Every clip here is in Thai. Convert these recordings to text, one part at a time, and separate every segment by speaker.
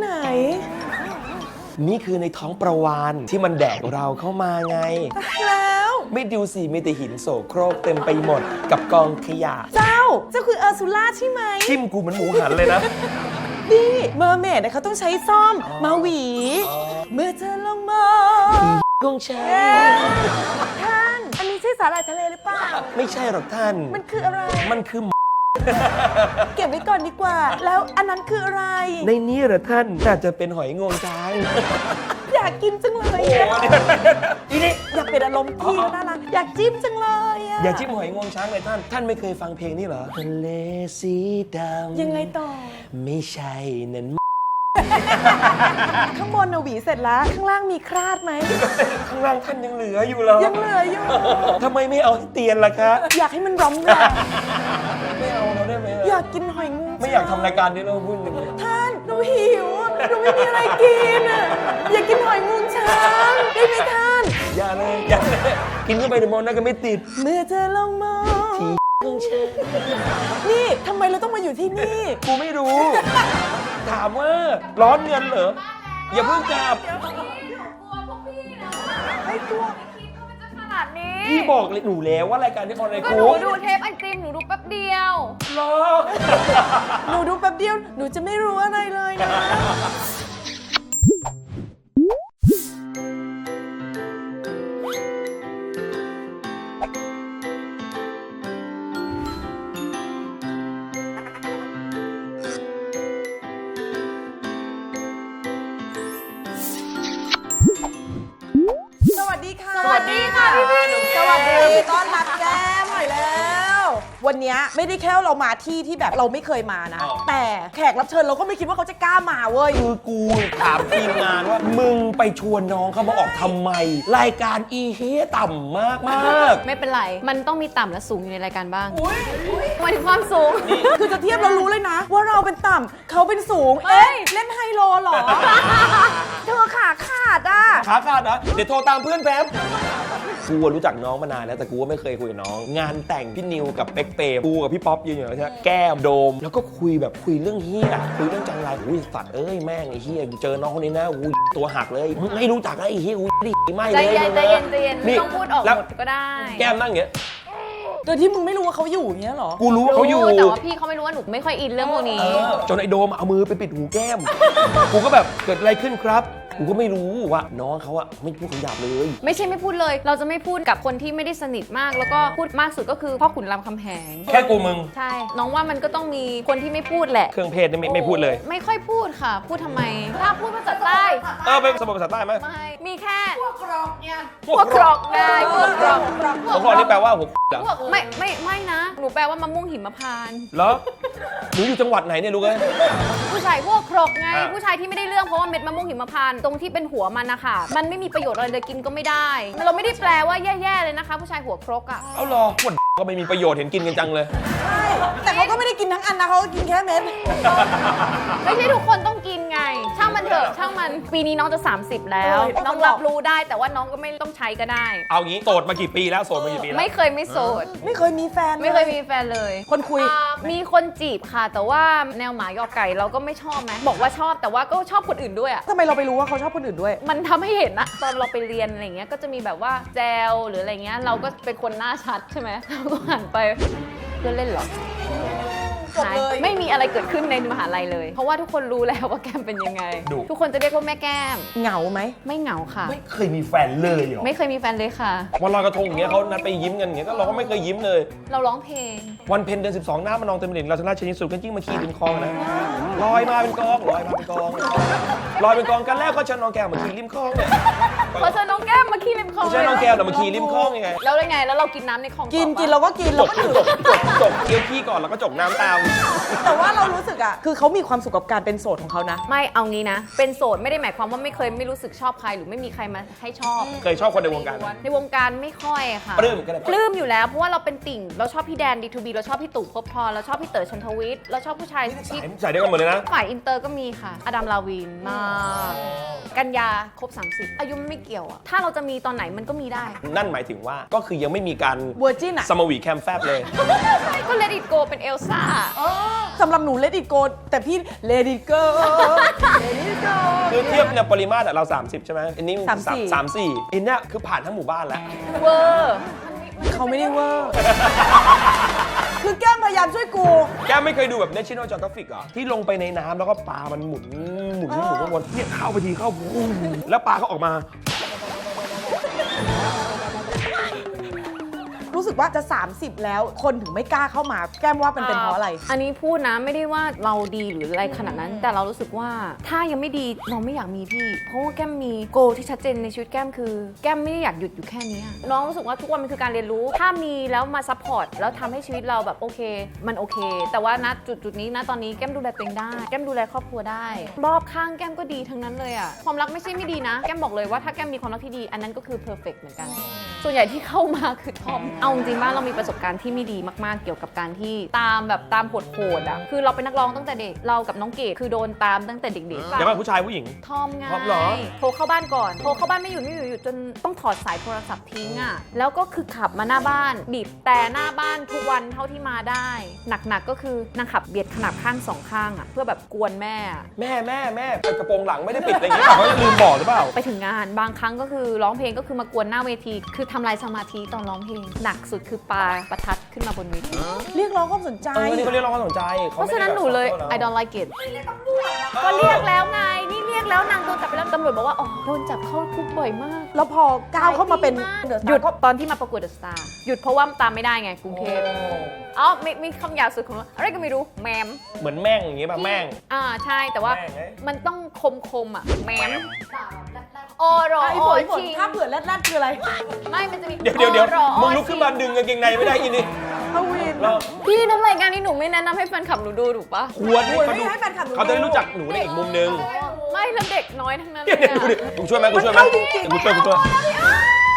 Speaker 1: ไหน
Speaker 2: นี่คือในท้องประวานที่มันแดกเราเข้ามาไง
Speaker 1: แล้ว
Speaker 2: ไม่ดูสิมีแต่หินโสโครกเต็มไปหมดกับกองขยะ
Speaker 1: เจ้าคือเออร์ซูล่าใช่ไหม
Speaker 2: จิ้มกูเหมือนหมูหันเลยนะ
Speaker 1: นี่เมอร์เมดเขาต้องใช้ซ่อมมาหวี เมื่อเธอลงมา
Speaker 2: กุ้งแช่
Speaker 1: ท่านอันนี้ใช่สาหร่ายทะเลหรือเปล่า
Speaker 2: ไม่ใช่หรอกท่าน
Speaker 1: มันคืออะไร
Speaker 2: มันคือ
Speaker 1: เก็บไว้ก่อนดีกว่า แล้วอันนั้นคืออะไร
Speaker 2: ในนี้เหรอท่านน่าจะเป็นหอยงวงช้าง
Speaker 1: อยากกินจังเลยอะ
Speaker 2: อีนี่
Speaker 1: อยากเป็นอารมณ์พี่แล้วน่ารักอยากจิ้มจังเลยอะ
Speaker 2: อย่าจิ้มหอยงวงช้างเลยท่าน ท่านไม่เคยฟังเพลงนี้เหรอทะเลสีดำ
Speaker 1: ยังไงต่อ
Speaker 2: ไม่ใช่นั่น
Speaker 1: ข้างบนน่ะหวีเสร็จแล้ว ข้างล่างมีคราดไหม
Speaker 2: ข้างล่างท่านยังเหลืออยู่เหรอ
Speaker 1: ยังเหลืออยู่
Speaker 2: ทำไมไม่เอาให้เตียนล่ะคะ
Speaker 1: อยากให้มันร้องแรง
Speaker 2: ไม่เอาเราได้ไหม
Speaker 1: อยากกินหอยงู
Speaker 2: ไม่อยากทำรายการนี้เราพูดอย่างนี้
Speaker 1: ท่านหนูหิวอะหนูไม่มีอะไรกินอะอยากกินหอยงูช้างได้ไหมท่าน
Speaker 2: อย่าเลยอย่าเลยกินเข้าไปเดี๋ยวมองหน้าก็ไม่ติด
Speaker 1: เมื่อเธอลงมา
Speaker 2: กุ้งแช่
Speaker 1: นี่ทำไมเราต้องมาอยู่ที่นี่
Speaker 2: กูไม่รู้ ถามว่าร้อนเงินเหรอ อย่าเพิ่งกลับ
Speaker 1: ไม่กลัว
Speaker 3: ขนาดนี้
Speaker 2: พี่บอกเลยหนูแล้วว่ารายการที่ออนไลน์
Speaker 3: ก็
Speaker 2: กู
Speaker 3: หนูดูเทปไอติมหนูดูแป๊บเดียว
Speaker 2: หรอ
Speaker 1: หนูดูแป๊บเดียวหนูจะไม่รู้อะไรเลยนะ สวัสดีค่ะ
Speaker 3: สวัสดีค่ะพี่พี่
Speaker 1: สวัสดีต้อนรับแก้มหน่อยแล้ว วันนี้ไม่ได้แค่เรามาที่แบบเราไม่เคยมานะ แต่แขกรับเชิญเราก็ไม่คิดว่าเขาจะกล้ามาเว้ย
Speaker 2: คือกูถามทีมงานว่า มึงไปชวนน้องเขามาออกทำไม รายการอีเฮต่ำมากมาก
Speaker 3: ไม่เป็นไร มันต้องมีต่ำและสูงอยู่ในรายการบ้างหมายถึงความสูง
Speaker 1: คือจะเทียบเรารู้เลยนะ ว่าเราเป็นต่ำเขาเป็นสูง
Speaker 3: เอ้ย
Speaker 1: เล่นไฮโลเหรอ เธอขาขาดอ่ะ
Speaker 2: ขาขาดนะเดี๋ยวโทรตามเพื่อนแป๊บกูรู้จักน้องมานานแล้วแต่กูก็ไม่เคยคุยกับน้อง งานแต่งพี่นิวกับเป๊กเปย์กูกับพี่ป๊อปยืนอยู่ใช่ไหมแก้มโดม แล้วก็คุยแบบคุยเรื่องเฮียคุยเรื่องจังไรอุ้ยสัตว์เอ้ยแม่งไอ้เฮียกูเจอน้องคนนี้นะอุ้ยตัวหักเลยมึงไม่รู้จักไอ้เฮียอุ้ยดิไม่
Speaker 3: ใจ
Speaker 2: เลย
Speaker 3: เย็นใจเย็นใจเย็นไม่ต้องพูดออก
Speaker 2: แล้ว
Speaker 3: หมดก็ได้
Speaker 2: แก้มนั่งอย่างเงี้ย
Speaker 1: โดยที่มึงไม่รู้ว่าเขาอยู่อย่างเงี้ยเหรอ
Speaker 2: กูรู้ว่าเขาอยู่
Speaker 3: แต่ว่าพี่เขาไม่รู้ว่าหนูไม่ค่อยอินเรื่องพวกนี้
Speaker 2: จนไอโดมเอามือไปปิดหูแก้ม กูก็แบบเกิดอะไรขึ้นครับ กูก็ไม่รู้ว่าน้องเขาอะไม่พูดคำหยาบเลย
Speaker 3: ไม่ใช่ไม่พูดเลย เราจะไม่พูดกับคนที่ไม่ได้สนิทมาก แล้วก็พูดมากสุดก็คือพ่อขุนรามคำแหง
Speaker 2: แค่กูมึง
Speaker 3: ใช่ น้องว่ามันก็ต้องมีคนที่ไม่พูดแหละ
Speaker 2: เครื่องเพศนี่ไม่พูดเลย
Speaker 3: ไม่ค่อยพูดค่ะ พูดทำไม ถ้าพูดภาษาใต้
Speaker 2: ไปสมบัติภาษาใต้ไหม
Speaker 3: ไม่ มีแค่
Speaker 2: พวก
Speaker 3: พวกกรอกได้พวกกรอก
Speaker 2: พวกนี่แปลว่าหัวเหรอ
Speaker 3: พวกไม่นะ หนูแปลว่ามะม่วงหิมพานต์
Speaker 2: เหรอหนูอยู่จังหวัดไหนเนี่ยลูกเอ้ย
Speaker 3: ผู้ชายพวกครกไง
Speaker 2: อ่ะ
Speaker 3: ผู้ชายที่ไม่ได้เรื่องเพราะว่าเม็ดมะม่วงหิมพานต์ตรงที่เป็นหัวมันนะคะมันไม่มีประโยชน์อะไรเลยกินก็ไม่ได้เราไม่ได้แปลว่าแย่ๆเลยนะคะ ผู้ชายหัวครกอ่ะ
Speaker 2: เอาเหรอขวดก็ไม่มีประโยชน์เห็นกินกันจังเลย
Speaker 1: ใช่ แต่เขาก็ไม่ได้กินทั้งอันนะเขาก็กินแค่เม็ด
Speaker 3: ไม่ใช่ทุกคนต้องกินไง ช่างมันเถอะช่างมันปีนี้น้องจะ 30 แล้ว น้องรับรู้ได้แต่ว่าน้องก็ไม่ต้องใช้ก็ได้
Speaker 2: เอางี้โสดมากี่ปีแล้วโสดมากี่ปีแล้ว
Speaker 3: ไม่เคยไม่โสด
Speaker 1: ไม่เคยมีแฟนล
Speaker 3: ไม่เคยมีแฟนเลย
Speaker 1: คนคุย
Speaker 3: มีคนจีบค่ะ แต่ว่าแนวหมายอไก่เราก็ไม่ชอบไหมบอกว่าชอบแต่ว่าก็ชอบคนอื่นด้วยอะ
Speaker 1: ทำไมเราไปรู้ว่าเขาชอบคนอื่นด้วย
Speaker 3: มันทำให้เห็นนะตอนเราไปเรียนอะไรเงี้ยก็จะมีแบบว่าแจวหรืออะไรเงี้ยเราก็เป็นคนหน้าชัดใช่ไหมเราก็หันไปเพื่อนเล่นเหรอ
Speaker 1: จบเลย
Speaker 3: ไม่มีอะไรเกิดขึ้นในมหาลัยเลย เพราะว่าทุกคนรู้แล้วว่าแก้มเป็นยังไง ทุกคนจะเรียกว่าแม่แก้ม
Speaker 1: เหงาไหม
Speaker 3: ไม่เหงาค่ะ
Speaker 2: ไม่เคยมีแฟนเลยเหรอ
Speaker 3: ไม่เคยมีแฟนเลยค่ะ
Speaker 2: วันลอยกระทงอย่างเงี้ยเขานัดไปยิ้มกันอย่างเงี้ยก็เราก็ไม่เคยยิ้มเลย
Speaker 3: เราร้องเพลง
Speaker 2: วันเพ็ญเดือน12หน้ามันนองเต็มเหรียญเราชนะชนิดสุดกันจิ้งมาขี่เป็นคลองนะลอยมาเป็นกองลอยมาเป็นกองลอยเป็นกองกันแล้วก็เชิญน้องแก้วมาขี่ริมคลองเนี่ย
Speaker 3: พอเจอน้องแก้มมาขี่ริมคลอง
Speaker 2: ไม่ใช่น้องแก้วแต่มาขี่ริมคลองยังไง
Speaker 3: แล้วยังไงแล้วเรากินน้ำในคลอง
Speaker 1: กิน
Speaker 3: ต่อปะ
Speaker 1: กินเราก็กิน
Speaker 2: จ
Speaker 1: เรา
Speaker 2: บ
Speaker 1: ก็
Speaker 2: จ
Speaker 1: ดื่
Speaker 2: บ
Speaker 1: ม
Speaker 2: จบเคี้ยวขี้ก่อนแล้วก็จกน้ำตาม
Speaker 1: แต่ว่าเรารู้สึกอ่ะ คือเขามีความสุขกับการเป็นโสดของเขานะ
Speaker 3: ไม่เอางี้นะ เป็นโสดไม่ได้หมายความว่าไม่เคยไม่รู้สึกชอบใครหรือไม่มีใครมาให้ชอบ
Speaker 2: เคยชอบคนในวงการไหม
Speaker 3: ในวงการไม่ค่อยค่ะ
Speaker 2: ปลื้มก็ได้
Speaker 3: ปลื้มอยู่แล้วเพราะว่าเราเป็นติ่ง เราชอบพี่แดน D2B เราชอบพี่ตู่ภพบทรเราชอบพี่เต๋อชันทวิทย์เราชอบผู้ชายที่
Speaker 2: ใส่เดียวกันหมดเลยนะ
Speaker 3: ฝ่ายอินเตอร์ก็มีค่ะ อดัมลาวินมากกันยาครบ 30 อายุไม่เกี่ยวอะถ้าเราจะมีตอนไหนมันก็มีได้
Speaker 2: นั่นหมายถึงว่าก็คือยังไม่มีการ
Speaker 1: เวอร์จินอ่ะ
Speaker 2: สมวีแคมแฟบเลย
Speaker 3: ก็ Let It Go เป็นเอลซ่า
Speaker 1: สำหรับหนู let it go แต่พี่ let it go let it go
Speaker 2: คือเทียบเนี่ยปริมาตรอะเรา 30 ใช่ไหมอันนี้
Speaker 1: 34
Speaker 2: 34อันเนี้ยคือผ่านทั้งหมู่บ้านแล้ว
Speaker 3: เวอร์
Speaker 1: เขาไม่ได้เวอร์ คือแก้มพยายามช่วยกู
Speaker 2: แกไม่เคยดูแบบ National Geographic เหรอที่ลงไปในน้ำแล้วก็ปลามันหมุนวนเนี่ยเข้าไปทีเข้าปุ้งแล้วปลาเขาออกมา
Speaker 1: รู้สึกว่าจะ 30 แล้วคนถึงไม่กล้าเข้ามาแก้มว่าเป็นเพราะอะไร
Speaker 3: อันนี้พูดนะไม่ได้ว่าเราดีหรืออะไรขนาดนั้น แต่เรารู้สึกว่าถ้ายังไม่ดีเราไม่อยากมีพี่ เพราะว่าแก้มมีโกที่ชัดเจนในชีวิตแก้มคือ แก้มไม่ได้อยากหยุดอยู่แค่นี้น้องรู้สึกว่าทุกวันมันคือการเรียนรู้ ถ้ามีแล้วมาซัพพอร์ตแล้วทำให้ชีวิตเราแบบโอเคมันโอเค แต่ว่าณจุดนี้นะตอนนี้แก้มดูแลตัวเองได้แก้มดูแลครอบครัวได้รอบข้างแก้มก็ดีทั้งนั้นเลยอะความรักไม่ใช่ไม่ดีนะแก้มบอกเลยว่าถ้าแก้มมีความรักที่ดีอันนั้นก็คือเพอร์เฟกต์เหมือนกันส่วนใหญ่ที่เข้ามาคือทอมเอาจริงๆบ้านเรามีประสบการณ์ที่ไม่ดีมากๆเกี่ยวกับการที่ตามโหดๆอ่ะคือเราเป็นนักร้องตั้งแต่เด็กเรากับน้องเกดคือโดนตามตั้งแต่เด็กๆ
Speaker 2: เดี๋ยวก่อนผู้ชายผู้หญิง
Speaker 3: ทอมไง
Speaker 2: ทอมเหรอ
Speaker 3: โทรเข้าบ้านก่อนโทรเข้าบ้านไม่หยุดจนต้องถอดสายโทรศัพท์ทิ้งอ่ะแล้วก็คือขับมาหน้าบ้านบีบแต่หน้าบ้านทุกวันเท่าที่มาได้หนักๆก็คือนางขับเบียดขนาบข้างสองข้างอ่ะเพื่อแบบกวนแม่อะ
Speaker 2: แม่เปิดกระโปรงหลังไม่ได้ปิดอะไรอย่างเงี้ยเขาลืมบอกหรือเปล่า
Speaker 3: ไปถึงงานบางครั้งก็คือร้องเพลงก็คือมากวนหน้าเวทีคือทำลายสมาธิตอนร้องเพลงหนักสุดคือปาประทัดขึ้นมาบนเวที
Speaker 1: เรียกร้องความสนใจ
Speaker 2: นี่เขาเรียกร้องความสนใจ
Speaker 3: เพราะฉะนั้นหนูเลย I don't like it ก็เรียกแล้วไง นี่เรียกแล้วนางโดนจับไปแล้วตำรวจบอกว่า อ๋อ โดนจับเข้าคุกบ่อยมาก
Speaker 1: แล้วพอก้าวเข้ามาเป็น
Speaker 3: หยุดตอนที่มาประกวดเดอะสตาร์หยุดเพราะว่าตามไม่ได้ไงกรุงเทพอ๋อมีคำหยาบสุดของอะไรก็ไม่รู้แมม
Speaker 2: เหมือนแม่งอย่างงี้ป่ะแม่ง
Speaker 3: ใช่แต่ว่า
Speaker 2: แม่งไง
Speaker 3: มันต้องคมอ่ะแมมโอรอ
Speaker 1: ไอ้
Speaker 3: โอ
Speaker 1: ฝน
Speaker 3: ชิง
Speaker 1: ถ้าเผื่อแรดๆคืออะไร
Speaker 3: ไม่มันจะมี
Speaker 2: เดี๋ยวมึงลุกขึ้นมาดึงกางเกงในไม่ได้อีนี่
Speaker 1: ฮาวิน
Speaker 2: เรา
Speaker 3: พี่ทำรายการนี้หนูไม่แนะนำให้แฟนคลับหนูดูถูกปะ
Speaker 2: ควรให้เขาดู
Speaker 1: ให้แฟนคลับหนู
Speaker 2: เขาจะได้รู้จักหนูในอีกมุมนึง
Speaker 3: ไม่แล้วเด็กน้อยทั้งนั้นเล
Speaker 2: เนี่ย
Speaker 3: ย
Speaker 2: ดูดิ
Speaker 3: อะ
Speaker 2: กูช่วยไหมกูช่วยไหม
Speaker 1: มันเข้าจริงๆ
Speaker 2: กูช่วย
Speaker 1: มันเข้าจริง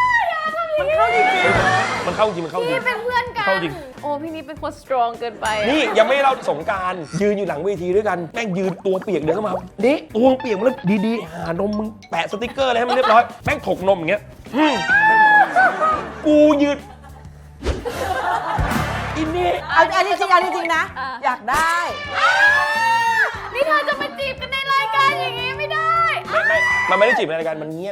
Speaker 2: มันเข้าจริงมันเข้าจริ
Speaker 3: พี่
Speaker 2: ง
Speaker 3: เป็นเพื่อนกัน
Speaker 2: เข้าจริง
Speaker 3: โอ้พี่นี่เป็นคนสตรองเกินไปอะ
Speaker 2: นี่ยังไม่เล่าสงกรารยืนอยู่หลังเวทีด้วยกันแม่งยืนตัวเปียกเดินเข้ามานี่ตัวเปียกมาแล้วดีๆหานมมึงแปะสติกเกอร์อะไรให้มันเรียบร้อยแม่งถกนมอย่างเงี้ยกูยืนอินนี่
Speaker 1: อันนี้จริงนะ อยากได้
Speaker 3: นี่เธอจะมาจีบกันในรายการอย่างงี้ไม่ได้
Speaker 2: มันไม่ได้จีบในรายการมันเงี้ยน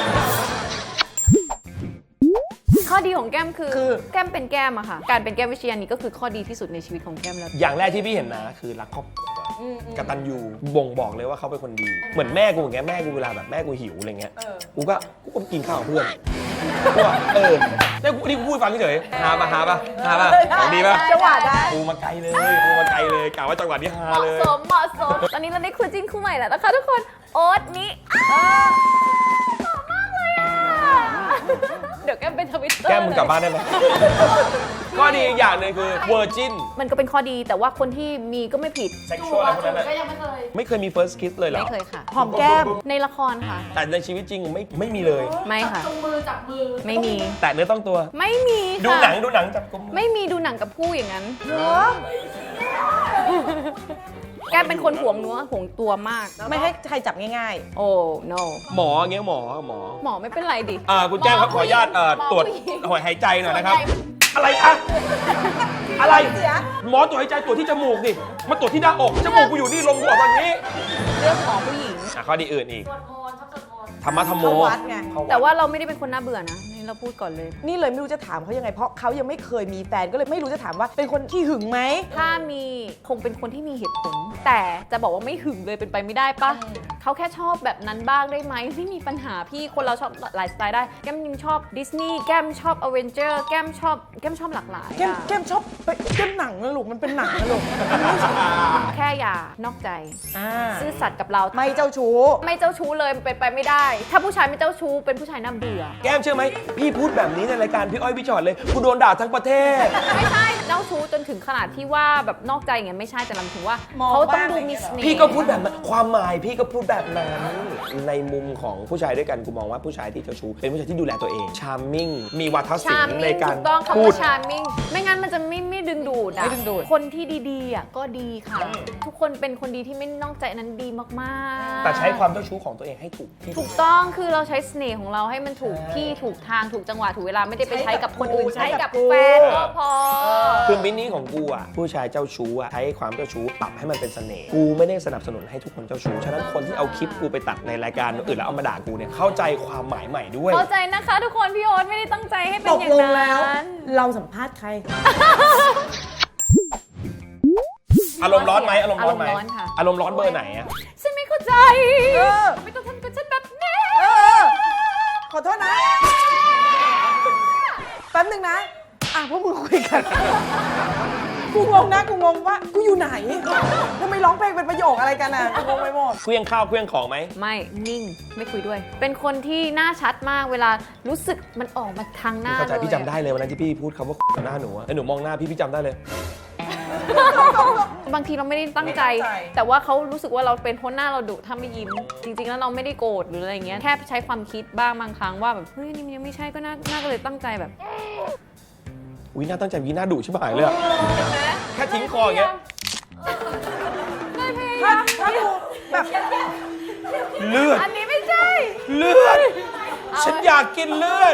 Speaker 3: ข้อดีของแก้มคือ
Speaker 1: คือ
Speaker 3: แก้มเป็นแก้มอะค่ะ การเป็นแก้มวิเชียรนี่ก็คือข้อดีที่สุดในชีวิตของแก้มแล้ว
Speaker 2: อย่างแรกที่พี่เห็นนะคือรักครอบครัวกตัญญูบ่งบอกเลยว่าเขาเป็นคนดี เหมือนแม่กูอย่างเงี้ยแม่กูเวลาแบบแม่กูหิวอะไรเงี้ยกูก็กินข้าวกับเพื่อนกูว่าเนี่ยกูนี่กูพูดฟังเฉยหาปะของดีปะ
Speaker 1: จังหวะได้
Speaker 2: กูมาไกลเลยกล่าวว่าจังหวะนี้ฮา
Speaker 3: เหมาะ
Speaker 2: เลย
Speaker 3: สมตอนนี้เราได้คู่จิ้นคู่ใหม่แล้วนะคะทุกคนโอ๊ตนี้หล่อมากเลยอะเดี๋ยวแก้มเป็นทวิตเตอร์
Speaker 2: แก้มมึงกลับบ้านได้ไหมข้อดีอีกอย่างหนึงคือเวอร์จิน
Speaker 3: มันก็เป็นข้อดีแต่ว่าคนที่มีก็ไม่ผิด
Speaker 2: เซ็กชวลอะไรพวกนั้นไม่เคยมี first kiss เลยเหรอ
Speaker 3: ไม่เคยค่ะ
Speaker 1: หอมแก้ม
Speaker 3: ในละครค่ะ
Speaker 2: แต่ในชีวิตจริงไม่มีเลย
Speaker 3: ไม่ค่ะไม่มี
Speaker 2: แต่เนื้อต้องตัว
Speaker 3: ไม่มี
Speaker 2: ดู
Speaker 3: ค่ะ
Speaker 2: หนังจับกุม
Speaker 3: ไม่มีดูหนังกับผู้อย่างนั้น
Speaker 1: เหรอ
Speaker 3: แกเป็นคนห่วงเนื้อห่วงตัวมาก
Speaker 1: ไม่ให้ใครจับง่าย
Speaker 3: โอ้ no
Speaker 2: หมออย่างเงี้ยหมอ
Speaker 3: หมอไม่เป็นไรดิ
Speaker 2: คุณแจ้งครับขออนุญาตตรวจ
Speaker 3: หมอผู้หญิง
Speaker 2: หอยหายใจหน่อยนะครับ
Speaker 3: ส่วนใหญ่
Speaker 2: อะไรคะอะไร
Speaker 1: ๆ เสีย
Speaker 2: หมอตรวจหายใจตรวจที่จมูกดิมาตรวจที่หน้าอกจมูกกูอยู่นี่ลงหัวตอนนี้
Speaker 3: เรื่องหมอผู้หญิง
Speaker 2: ข้อดีอื่นอีกธรรมะธรรมโม
Speaker 1: เข้าวัดไง
Speaker 2: เข้าวัด
Speaker 3: แต่ว่าเราไม่ได้เป็นคนน่าเบื่อนะนี่เราพูดก่อนเลย
Speaker 1: นี่เลยไม่รู้จะถามเขายังไง เพราะเขายังไม่เคยมีแฟนก็เลยไม่รู้จะถามว่าเป็นคนขี้หึงไหม
Speaker 3: ถ้ามีคงเป็นคนที่มีเหตุผล แต่จะบอกว่าไม่หึงเลยเป็นไปไม่ได้ปะเขาแค่ชอบแบบนั้นบ้างได้ไหมไม่มีปัญหาพี่คนเราชอบหลายสไตล์ได้แก้มยังชอบดิสนีย์แก้มชอบอเวนเจอร์แก้มชอบหลากหลาย
Speaker 1: แก้ม
Speaker 3: อะ
Speaker 1: แก้มชอบแก้มหนังนะลูก มันเป็นหนังนะลูก
Speaker 3: แค่อย่านอกใจ
Speaker 1: อ่า
Speaker 3: ซื่อสัตย์กับเรา
Speaker 1: ไม่เจ้าชู้
Speaker 3: ไม่เจ้าชู้เลยมันเป็นไปไม่ได้ ถ้าผู้ชายไม่เจ้าชู้เป็นผู้ชายน่าเบื่อ
Speaker 2: แก้มเชื่อไหมพี่พูดแบบนี้ในรายการพี่อ้อยพี่ชอตเลยกูโดนด่าทั้งประเทศ
Speaker 3: ไม่ใช่เจ้าชู้จนถึงขนาดที่ว่าแบบนอกใจอย่างเงี้ยไม่ใช่แต่ลำถึงว่า
Speaker 1: มอง
Speaker 3: เขาต้อง
Speaker 1: บ้าง
Speaker 3: ดู
Speaker 1: อะไร
Speaker 3: มี
Speaker 1: เงี้ย
Speaker 3: เสน่ห์
Speaker 2: พี่ก็พูดแบบนั้นความหมายพี่ก็พูดแบบนั้นในมุมของผู้ชายด้วยกันกูมองว่าผู้ชายที่เจ้าชู้เป็นผู้ชายที่ดูแลตัวเองชาร์มมิ่งมีวาทศิล
Speaker 3: ชาร์ม
Speaker 2: ป์ใน
Speaker 3: มิ่ง
Speaker 2: การ
Speaker 3: ถูกต้อง
Speaker 2: พู
Speaker 3: คำ
Speaker 2: ด
Speaker 3: ว่าชาร์มมิ่งไม่งั้นมันจะไม่ดึงดูดอะ
Speaker 1: ไม่ดึงดูด
Speaker 3: คนที่ดีๆอะก็ดีค่ะ ทุกคนเป็นคนดีที่ไม่นอกใจอันนั้นดีมากๆ
Speaker 2: แต่ใช้ความเจ้าชู้ของตัวเองให้ถูกที่
Speaker 3: ถูกต้องคือเราใช้เสน่ห์ของเราให้มันถูกที่ถูกทางถูกจังหวะถูกเวลาไม่ได้ไปใช้กับคนอื่น
Speaker 1: ใช้
Speaker 3: ใช้
Speaker 1: กั
Speaker 3: กั
Speaker 1: บบ กู
Speaker 3: แฟนก็พอ
Speaker 2: คือมินิของกูอ่ะผู้ชายเจ้าชู้อ่ะใช้ความเจ้าชู้ปรับให้มันเป็นเสน่ห์กูไม่ได้สนับสนุนให้ทุกคนเจ้าชู้ฉะนั้นคนที่เอาคลิปกูไปตัดในรายการอื่นแล้วเอามาด่ากูเนี่ยเข้าใจความหมายใหม่ด้วย
Speaker 3: เข้าใจนะคะทุกคนพี่โอ๊ตไม่ได้ตั้งใจให้เป็น
Speaker 1: ต
Speaker 3: อก ย่าง
Speaker 1: ลง
Speaker 3: นั้
Speaker 1: แล้ว
Speaker 3: น
Speaker 1: เราสัมภาษณ์ใคร
Speaker 2: อารมณ์ร้อนไหมอารมณ์ร้อนไหม
Speaker 3: อารมณ์ร้อนค่ะ
Speaker 2: อารมณ์ร้อนเบอร์ไหนอะ
Speaker 3: ฉันไม่เข้าใจ
Speaker 1: เออ
Speaker 3: ไม่ต้องทำกับฉันแบบนี้
Speaker 1: เออ ขอโทษนะ แป๊บนึงนะ พวกมึงคุยกัน กูงงนะ กูงงว่า กูอยู่ไหนทำไมร้องเพลงเป็นประโยคอะไรกันอ่ะ กูงงไปหมด
Speaker 2: เครื่องข้าวเครื่องของไหม
Speaker 3: ไม่นิ่งไม่คุยด้วย เป็นคนที่หน้าชัดมากเวลารู้สึกมันออกมาทางหน้า
Speaker 2: เข้าใจ
Speaker 3: เลย
Speaker 2: พี่จำได้เลยวันนั้นที่พี่พูดคำว่าต่อหน้าหนูอะแล้วหนูมองหน้าพี่จำได้เลย
Speaker 3: บางทีเราไม่ได้ตั้งใจ
Speaker 1: ไม่ตั้งใจ
Speaker 3: แต่ว่าเขารู้สึกว่าเราเป็นเพราะหน้าเราดุถ้าไม่ยิ้ม จริง ๆ แล้วเราไม่ได้โกรธหรืออะไรเงี้ยแค่ใช้ความคิดบ้างบางครั้งว่าแบบเฮ้ยนี่มันยังไม่ใช่ก็น่าก็เลยตั้งใจแบบ
Speaker 2: วิน่าตั้งใจวิน่าดุชิบหายเลยอะแค่ทิ้งคออย่างเงี้ย
Speaker 1: ถ้าดูแบบ
Speaker 2: เลือด
Speaker 3: อันนี้ไม่ใช่
Speaker 2: เลือด ฉันอยากกินเลือด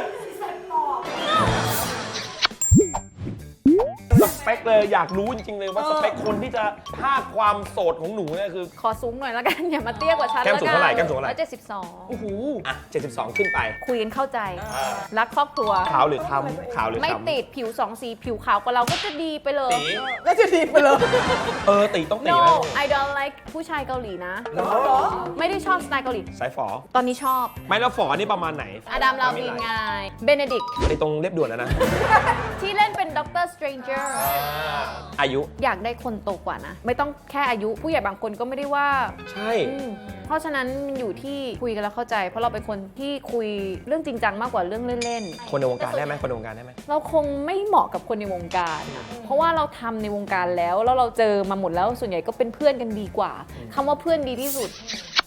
Speaker 2: สเปคเลยอยากรู้จริงๆเลยว่าสเปคคนที่จะพากความโสดของหนูเนี่ยคือ
Speaker 3: ขอสูงหน่อยแล้วกัน อย่ามาเตี้ยกว่าฉัน
Speaker 2: แก้มสูงเท่าไหร่แก้มสูงเท่าไหร่
Speaker 3: 172
Speaker 2: โอ้โหอ่ะ72 ขึ้นไป
Speaker 3: คุยกันเข้าใจ รักครอบครัว
Speaker 2: ขาวหรือคล้ำขาวหรือ
Speaker 3: ไม่
Speaker 2: คล้ำ
Speaker 3: ติดผิว2 สีผิวขาวกว่าเราก็จะดีไปเลย
Speaker 2: ตี
Speaker 1: ก็จะดีไปเลย
Speaker 2: ตีต้องตี
Speaker 3: No
Speaker 2: ไหม
Speaker 3: I don't like ผู้ชายเกาหลีนะ
Speaker 2: เหรอ
Speaker 3: ไม่ได้ชอบสไตล์เกาหลี
Speaker 2: สายฝอ
Speaker 3: ตอนนี้ชอบ
Speaker 2: ไม่แล้วฝอนี่ประมาณไหน
Speaker 3: อดัม ลาวินไงเบเนดิก
Speaker 2: ไอ้ตรงเรียบด่วนแล้วนะ
Speaker 3: ที่เล่นเป็นด็อกเตอร์สเตรนเจอร์
Speaker 2: อายุ
Speaker 3: อยากได้คนโตกว่านะ ไม่ต้องแค่อายุผู้ใหญ่บางคนก็ไม่ได้ว่า
Speaker 2: ใช่
Speaker 3: เพราะฉะนั้นมันอยู่ที่คุยกันแล้วเข้าใจ เพราะเราเป็นคนที่คุยเรื่องจริงจังมากกว่าเรื่องเล่น
Speaker 2: คนในวงการได้ไหมคนในวงการได้ไหม
Speaker 3: ๆ เราคงไม่เหมาะกับคนในวงการอะเพราะว่าเราทำในวงการแล้วเราเจอมาหมดแล้วส่วนใหญ่ก็เป็นเพื่อนกันดีกว่าคำว่าเพื่อนดีที่สุด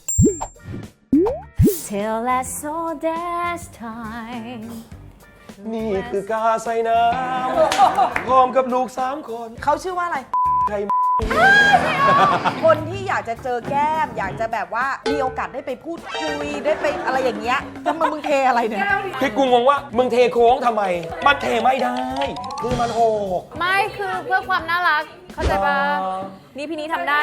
Speaker 3: Till I saw that time
Speaker 2: นี่คือกาใส่น้ำพร้อมกับลูก3 คน
Speaker 1: เขาชื่อว่าอะไร
Speaker 2: ใคร
Speaker 1: คนที่อยากจะเจอแก้ม อยากจะแบบว่ามีโอกาสได้ไปพูดคุยได้ไปอะไรอย่างเงี้ยทำไมมึงเทอะไรเนี่ย
Speaker 2: คือกูงงว่ามึงเทโค้งทำไม มันเทไม่ได้ คือมันโหก
Speaker 3: ไม่คือเพื่อความน่ารัก เข้าใจปะ
Speaker 2: อ๋อ
Speaker 3: นี่พี่นี้ทำได้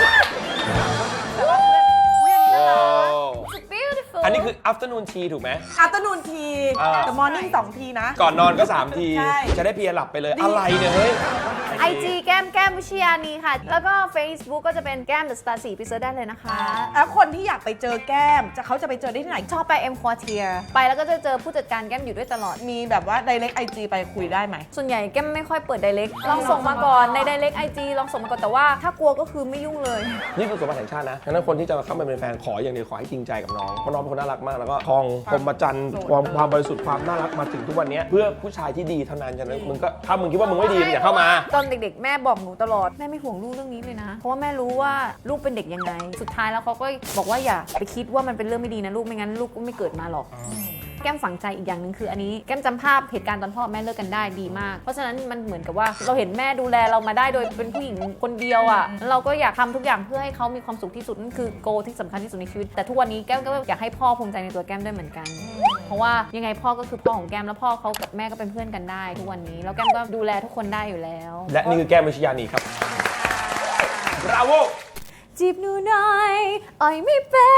Speaker 3: It's beautiful
Speaker 2: อันนี้คือ afternoon tea ถูกไหม
Speaker 1: อัตนูนที แต่มอร์นิ่ง2 ทีนะ
Speaker 2: ก่อนนอนก็ 3 ที
Speaker 1: ใช่
Speaker 2: จะได้เพลียหลับไปเลย อะไรเนี่ย เฮ้ย
Speaker 3: IG แก้มวิชยานีค่ะ แล้วก็ Facebook ก็จะเป็นแก้ม The Star 4ไปเซิร์ชได้เลยนะคะ
Speaker 1: แล้วคนที่อยากไปเจอแก้มเขาจะไปเจอได้ที่ไหน
Speaker 3: ชอบไป M Quartier ไปแล้วก็จะเจอผู้จัดการแก้มอยู่ด้วยตลอด
Speaker 1: มีแบบว่า direct IG ไปคุยได้ไหม
Speaker 3: ส่วนใหญ่แก้มไม่ค่อยเปิด direct ลองส่งมาก่อนใน direct IG ลองส่งมาก่อนแต่ว่าถ้ากลัวก็คือไม่ยุ่งเลย
Speaker 2: นี่คือสมบัติแห่งชาตินะฉะนั้นคนที่จะเข้ามาเป็นแฟนขออย่างเดียวขอให้จริงใจกับน้องเพราะน้องเป็นคนน่ารักมากแล้วก็ทองพรหมจันทรย์ความบริสุทธิ์ความน่ารักมาถึงทุกวันนี้เพื่อผู้ชายที่ดีเท่านั้นฉะนั้นมึงก็ถ้ามึงคิดว่ามึงไม่ดีมึงอย่าเข้ามา
Speaker 3: ตอนเด็กๆ แม่บอกหนูตลอด แม่ไม่ห่วงลูกเรื่องนี้เลยนะ เพราะว่าแม่รู้ว่าลูกเป็นเด็กยังไง สุดท้ายแล้วเขาก็บอกว่าอย่าไปคิดว่ามันเป็นเรื่องไม่ดีนะลูกไม่งั้นลูกก็ไม่เกิดมาหรอก แก้มฝังใจอีกอย่างหนึ่งคืออันนี้แก้มจำภาพเหตุการณ์ตอนพ่อแม่เลิกกันได้ดีมาก เพราะฉะนั้นมันเหมือนกับว่าเราเห็นแม่ดูแลเรามาได้โดยเป็นผู้หญิงคนเดียวอ่ะแล้วเราก็อยากทำทุกอย่างเพื่อให้เขามีความสุขที่สุดนั่นคือโกที่สำคัญที่สุดในชีวิตแต่ทุกวันนี้แก้มก็อยากให้พ่อภูมิใจในตัวแก้มด้วยเหมือนกัน เพราะว่ายังไงพ่อก็คือพ่อของแก้มแล้วพ่อเขากับแม่ก็เป็นเพื่อนกันได้ ทุกวันนี้แล้วแก้มก็ดูแลทุกคนได้อยู่แล้ว
Speaker 2: และนี่คือแก้มวิชยานีครับ Bravo
Speaker 3: จีบหนูหน่อยอ่อยไม่เป็น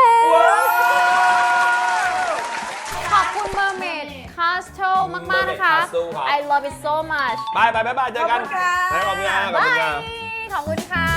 Speaker 3: ขอบคุณ Mermaid Castle มากๆนะคะ
Speaker 2: Mermaid Castle ครับ
Speaker 3: I love it so much
Speaker 2: บายเจอกัน
Speaker 1: ขอบคุณค่ะ
Speaker 2: ขอบคุณค่ะ
Speaker 3: บาย ขอบคุณค่ะ